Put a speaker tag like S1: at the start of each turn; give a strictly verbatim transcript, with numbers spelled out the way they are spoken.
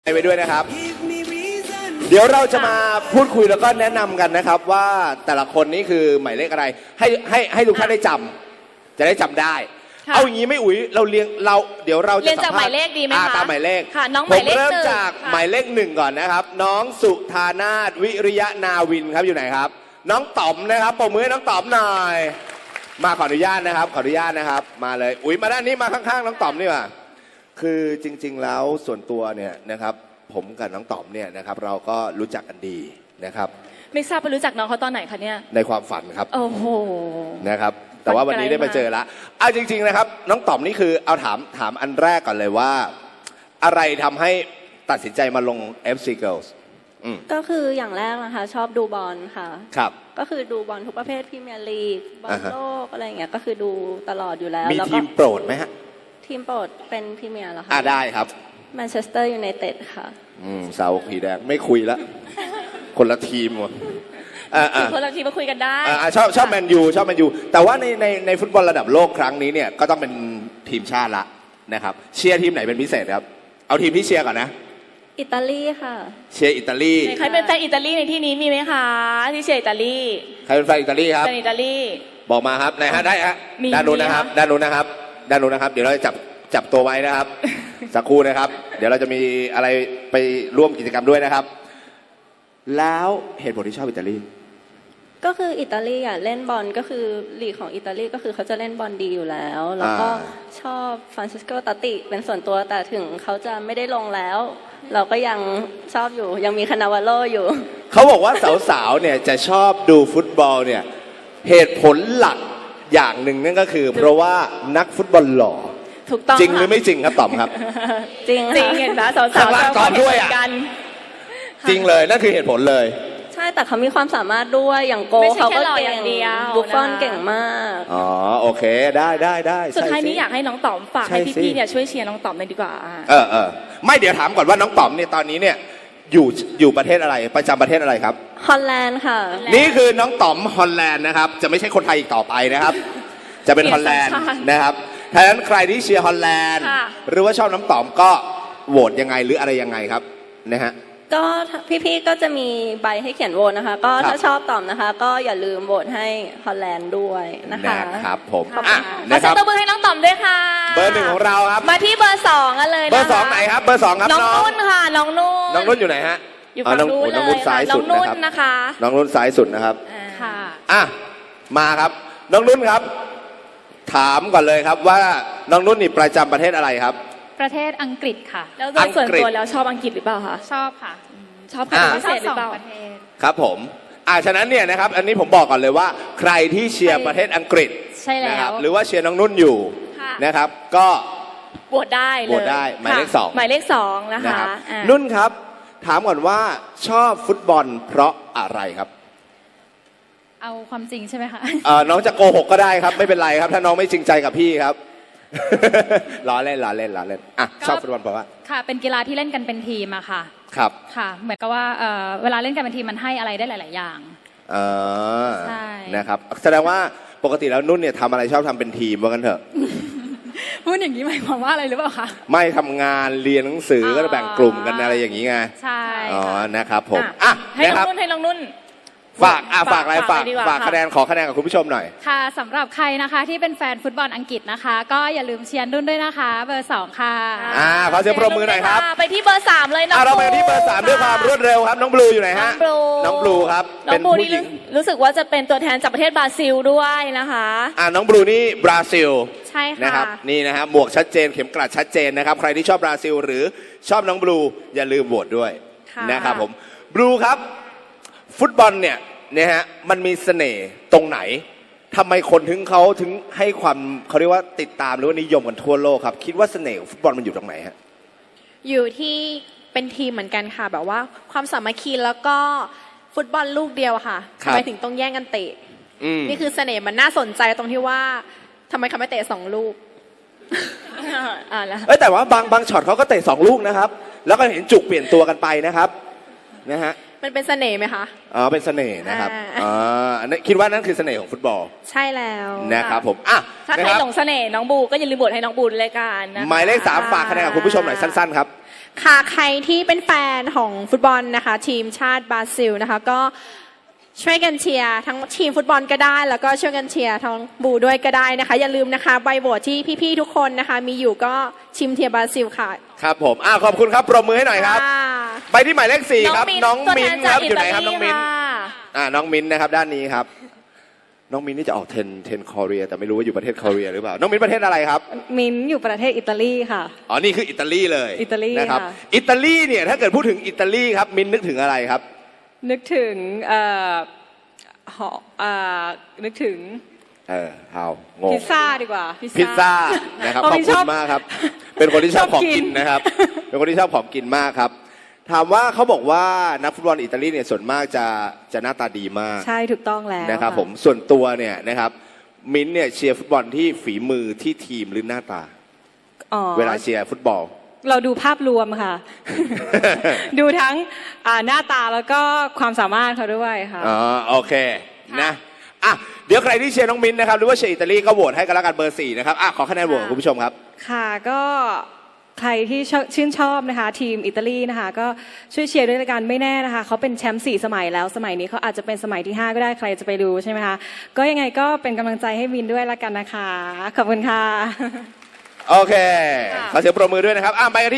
S1: ไปด้วยนะครับเดี๋ยวเราจะมาพูดคุยแล้วก็แนะนำกันนะครับว่าแต่ละคนนี่คือหมายเลขอะไรให้ให้ให้ทุกท่านได้จำจะได้จำได้เอาอย่างนี้ไม่อุ๋ยเราเรียงเราเดี๋ยวเราจะ
S2: เรียนจากหมายเลขดีไหมคะ
S1: ตามหมายเลข
S2: ค่ะน้องหมายเลข
S1: ผมเริ่มจากหมายเลขหนึ่งก่อนนะครับน้องสุธานาถวิริยะนาวินครับอยู่ไหนครับน้องต๋อมนะครับปรบมือให้น้องต๋อมหน่อยมาขออนุญาตนะครับขออนุญาตนะครับมาเลยอุ๋ยมาด้านนี้มาข้างๆน้องต๋อมนี่ว่าคือจริงๆแล้วส่วนตัวเนี่ยนะครับผมกับน้องต๋อมเนี่ยนะครับเราก็รู้จักกันดีนะครับ
S2: ไม่ทราบไปรู้จักน้องเขาตอนไหนคะเนี่ย
S1: ในความฝันครับ
S2: โอ้โห
S1: นะครับแต่ว่าวันนี้ได้มาเจอแล้วเอาจริงๆนะครับน้องต๋อมนี่คือเอาถามถามอันแรกก่อนเลยว่าอะไรทำให้ตัดสินใจมาลง เอฟ ซี Girls
S3: ก็คืออย่างแรกนะคะชอบดูบอลค่ะ
S1: ครับ
S3: ก็คือดูบอลทุกประเภทพรีเมียร์ลีกบอลโลกอะไรอย่างเงี้ยก็คือดูตลอดอยู่แล้ว
S1: มีทีมโปรดไหมฮะ
S3: ทีมโปรดเป็นพรีเมียร์เหรอคะ
S1: อ่าได้ครับ
S3: แมนเชสเตอร์ยูไนเต็ดค่ะ
S1: อืมเสาขีแดงไม่คุยละคนละทีมหมด
S2: คนละทีมาคุยกันได้
S1: ชอบชอบแมนยูชอบแมนยูแต่ว่าในในในฟุตบอลระดับโลกครั้งนี้เนี่ยก็ต้องเป็นทีมชาติละนะครับเชียร์ทีมไหนเป็นพิเศษครับเอาทีมที่เชียร์ก่อนนะ
S3: อิตาลีค่ะ
S1: เชียร์อิตาลี
S2: ใครเป็นแฟนอิตาลีในที่นี้มีไหมคะที่เชียร์อิตาลี
S1: ใครเป็นแฟนอิตาลีครับ
S2: เป็นอิตาลี
S1: บอกมาครับไหนฮะได้ฮะด้านนู้นนะครับด้านนู้นนะครับด้านนู้นนะครับเดี๋ยวเราจะจับจับตัวไว้นะครับสักครู่นะครับเดี๋ยวเราจะมีอะไรไปร่วมกิจกรรมด้วยนะครับแล้วเหตุผลที่ชอบอิตาลี
S3: ก็คืออิตาลีอ่ะเล่นบอลก็คือลีกของอิตาลีก็คือเขาจะเล่นบอลดีอยู่แล้วแล้วก็ชอบฟรานซิสโกตาติเป็นส่วนตัวแต่ถึงเขาจะไม่ได้ลงแล้วเราก็ยังชอบอยู่ยังมีคานาวาโลอยู่
S1: เขาบอกว่าสาวๆเนี่ยจะชอบดูฟุตบอลเนี่ยเหตุผลหลักอย่างหนึ่งนั่นก็คือเพราะว่านักฟุตบอลหล่อ
S2: ถูกต้อง
S1: จริงหรือไม่จริงครับต๋อมครับ
S3: จริง
S2: จริงเห็นนะสาวๆ
S1: ตอบด้วยอ่ะจริงเลยนั่นคือเหตุผลเลย
S3: ใช่แต่เขามีความสามารถด้วยอย่างโกเขาก็เก่งบุฟฟอนเก่งมาก
S1: อ๋อโอเคได้ได้ได้
S2: สุดท้ายนี้อยากให้น้องต๋อมฝากให้พี่ๆเนี่ยช่วยเชียร์น้องต๋อมเลยดีกว่า
S1: เออเออไม่เดี๋ยวถามก่อนว่าน้องต๋อมเนี่ยตอนนี้เนี่ยอยู่อยู่ประเทศอะไรประจำประเทศอะไรครับ
S3: ฮอลแลนด์ค่ะ
S1: นี่คือน้องต๋อมฮอลแลนด์นะครับจะไม่ใช่คนไทยอีกต่อไปนะครับจะเป็นฮอลแลนด์นะครับถ้าฉะนั้นใครที่เชียร์ฮอลแลนด์หรือว่าชอบน้องต๋อมก็โหวตยังไงหรืออะไรยังไงครับนะฮะ
S3: ก็พี่ๆก็จะมีใบให้เขียนโหวตนะคะก็ถ้าชอบตอบนะคะก็อย่าลืมโหวตให้ฮอลแลนด์ด้วยนะคะ
S1: นะครับผม
S2: อ่ะนะครับขอเสียงตบมือให้น้องต๋อมด้วยค่ะ
S1: เบอร์หนึ่งของเราครับ
S2: มาที่เบอร์สองกันเลย
S1: เบอร์สองไหนครับเบอร์สองครับ
S2: น้องนุ่นค่ะน้องนุ่น
S1: น้องนุ่นอยู่ไหนฮะ
S2: อยู่ฝั่งนู้นเลยน้องนุ่นซ้ายสุดนะคะ
S1: น้องนุ่นซ้ายสุดนะครับ
S2: ค่ะ
S1: อ่ะมาครับน้องนุ่นครับถามก่อนเลยครับว่าน้องนุ่นนี่ประจำประเทศอะไรครับ
S4: ประเทศอังกฤษค่ะ
S2: แล้วโดยส่วนตัวแล้วชอบอังกฤษหรือเปล่าคะ
S4: ชอบค่ะ
S2: ชอบใครพิเศษหรือเปล่า
S1: ครับผมอ่าฉะนั้นเนี่ยนะครับอันนี้ผมบอกก่อนเลยว่าใครที่เชียร์ประเทศอังกฤษ
S2: ใช่แล้ว
S1: หรือว่าเชียร์น้องนุ่นอยู่นะครับก็
S2: โหวตได้เลย
S1: โหวตได้หมายเลขสอง
S2: หมายเลขสองนะคะ
S1: นุ่นครับถามก่อนว่าชอบฟุตบอลเพราะอะไรครับ
S4: เอาความจริงใช่ไหมคะ
S1: เออน้องจะโกหกก็ได้ครับไม่เป็นไรครับถ้าน้องไม่จริงใจกับพี่ครับล้อเล่นล้อเล่นล้อเล่นอ่ะชอบฟุตบอลเพราะว่า
S4: ค่ะเป็นกีฬาที่เล่นกันเป็นทีมอะค่ะ
S1: ครับ
S4: ค่ะเหมือนกับว่าเอ่อเวลาเล่นกันเป็นทีมมันให้อะไรได้หลายๆอย่าง
S1: เออใช่นะครับแสดงว่าปกติแล้วนุ่นเนี่ยทำอะไรชอบทำเป็นทีมว่ากันเถอะ
S4: พูดอย่างนี้หมายความว่าอะไรหรือเปล่าคะ
S1: ไม่ทำงานเรียนหนังสือก็แบ่งกลุ่มกันอะไรอย่างนี้ไง
S4: ใช่
S1: อ๋อนะครับผมอ่ะ
S2: ให้น้องนุ่นให้น้องนุ่น
S1: ฝากอ่ะฝากอะไรฝากฝากคะแนนขอคะแนนกับคุณผู้ชมหน่อย
S4: ค่ะสำหรับใครนะคะที่เป็นแฟนฟุตบอลอังกฤษนะคะก็อย่าลืมเชียร์นุ่นด้วยนะคะเบอร์สองค่ะ
S1: อ่าขอเสียงปรบมือหน่อยครับ
S2: ไปที่เบอร์สามเลยน้อง
S1: เราไปที่เบอร์สามด้วยความรวดเร็วครับน้องบลูอยู่ไหนฮะน้องบลูครับ
S2: น้องบลูนี่รู้สึกว่าจะเป็นตัวแทนจากประเทศบราซิลด้วยนะคะ
S1: อ่าน้องบลูนี่บราซิล
S4: ใช่ค่ะ
S1: นะครับนี่นะฮะหมวกชัดเจนเข็มกลัดชัดเจนนะครับใครที่ชอบบราซิลหรือชอบน้องบลูอย่าลืมโหวตด้วยนะครับผมบลูครับฟุตบอลเนี่ยเนี่ยฮะมันมีเสน่ห์ตรงไหนทำไมคนถึงเขาถึงให้ความเขาเรียกว่าติดตามหรือว่านิยมกันทั่วโลกครับคิดว่าเสน่ห์ของฟุตบอลมันอยู่ตรงไหนฮะ
S5: อยู่ที่เป็นทีมเหมือนกันค่ะแบบว่าความสามัคคีแล้วก็ฟุตบอลลูกเดียวค่ะทำไมถึงต้องแย่งกันเตะนี่คือเสน่ห์มันน่าสนใจตรงที่ว่าทำไมเขาไม่เตะสองลูก
S1: อ่าแล้วเอ้ยแต่ว่าบางบางช็อตเขาก็เตะสองลูกนะครับแล้วก็เห็นจุกเปลี่ยนตัวกันไปนะครับนะฮะ
S5: มันเป็นเสน่ห์ไหมคะ
S1: อ๋อเป็นเสน่ห์นะครับอ๋อคิดว่านั่นคือเสน่ห์ของฟุตบอล
S5: ใช่แล้ว
S1: นะครับผมอ่ะ
S2: ถ้าใครหลงเสน่ห์น้องบูก็อย่าลืมโหวตให้น้องบูเลยกันนะ
S1: หมายเลขสามฝากคะแนนกับคุณผู้ชมหน่อยสั้นๆครับ
S5: ค่ะใครที่เป็นแฟนของฟุตบอลนะคะ ทีมชาติบราซิลนะคะ ก็ช่วยกันเชียร์ทั้งทีมฟุตบอลก็ได้ แล้วก็ช่วยกันเชียร์ทั้งบูด้วยก็ได้นะคะ อย่าลืมนะคะใบโหวตที่พี่ๆทุกคนนะคะ มีอยู่ก็ชิมเทียร์บราซิลค่ะ
S1: ครับผมอ่าขอบคุณครับปรบมือให้หน่อยครับ
S5: ค่ะ
S1: ไปที่หมายเลขสี่ครับ น้อง
S2: ตัว
S1: มิ้
S2: แท
S1: น
S2: น
S1: ค
S2: จา
S1: รั
S2: ก
S1: บ
S2: อิ
S1: อยู่ไห
S2: ตาน
S1: ครับน้
S2: ลี
S1: องมิ้น
S2: ค่ะ
S1: อ่าน้องมิ้นนะครับด้านนี้ครับ น้องมิ้นนี่จะออกเทนเทนคอเรียแต่ไม่รู้ว่าอยู่ประเทศคอเรียหรือเปล่า น้องมิ้นประเทศอะไรครับ
S6: มินอยู่ประเทศอิตาลีค่ะ
S1: อ๋อ นี่คืออิตาลีเลย
S6: อิตาลี
S1: นะครับ
S6: ค่ะ
S1: อิตาลีเนี่ยถ้าเกิดพูดถึงอิตาลีครับ มิ้นนึกถึงอะไรครับ
S6: นึกถึงเอ่อหอเอ่อนึกถึง
S1: เออเอางง
S6: พิซซ่าดีกว่า
S1: พิซซ่านะครับ
S6: เพราะ
S1: ขอบ
S6: มิ้น
S1: คุ
S6: ช
S1: ณ
S6: อบ
S1: มากครับ เป็นคนที่ชอบ
S6: ชอบ
S1: ของ
S6: กิน
S1: กินนะครับ เป็นคนที่ชอบของกินมากครับ ถามว่าเขาบอกว่านักฟุตบอลอิตาลีเนี่ยส่วนมากจะจะหน้าตาดีมาก
S6: ใช่ถูกต้องแล้ว
S1: นะครับผมส่วนตัวเนี่ยนะครับมิ้นท์เนี่ยเชียร์ฟุตบอลที่ฝีมือที่ทีมหรือหน้าตา
S6: อ๋อ
S1: เวลาเชียร์ฟุตบอล
S6: เราดูภาพรวมค่ะ ดูทั้งอ่าหน้าตาแล้วก็ความสามารถเขาด้วยค่ะ
S1: อ๋อโอเคนะอ่ะเดี๋ยวใครที่เชียร์น้องมิ้นท์นะครับหรือว่าเชียร์อิตาลีก็โหวตให้กันแล้วกันเบอร์สี่นะครับอ่ะขอคะแนนโหวตของคุณผู้ชมครับ
S6: ค่ะก็ใครที่ชอบชื่นชอบนะคะ ทีมอิตาลีนะคะ ก็ช่วยเชียร์ด้วยละกันไม่แน่นะคะเขาเป็นแชมป์สี่สมัยแล้วสมัยนี้เขาอาจจะเป็นสมัยที่ห้าก็ได้ใครจะไปรู้ใช่ไหมคะก็ยังไงก็เป็นกำลังใจให้วินด้วยละกันนะคะขอบคุณค่ะ
S1: โอเคขอเสียงปรบมือด้วยนะครับอ่ะไปกันที่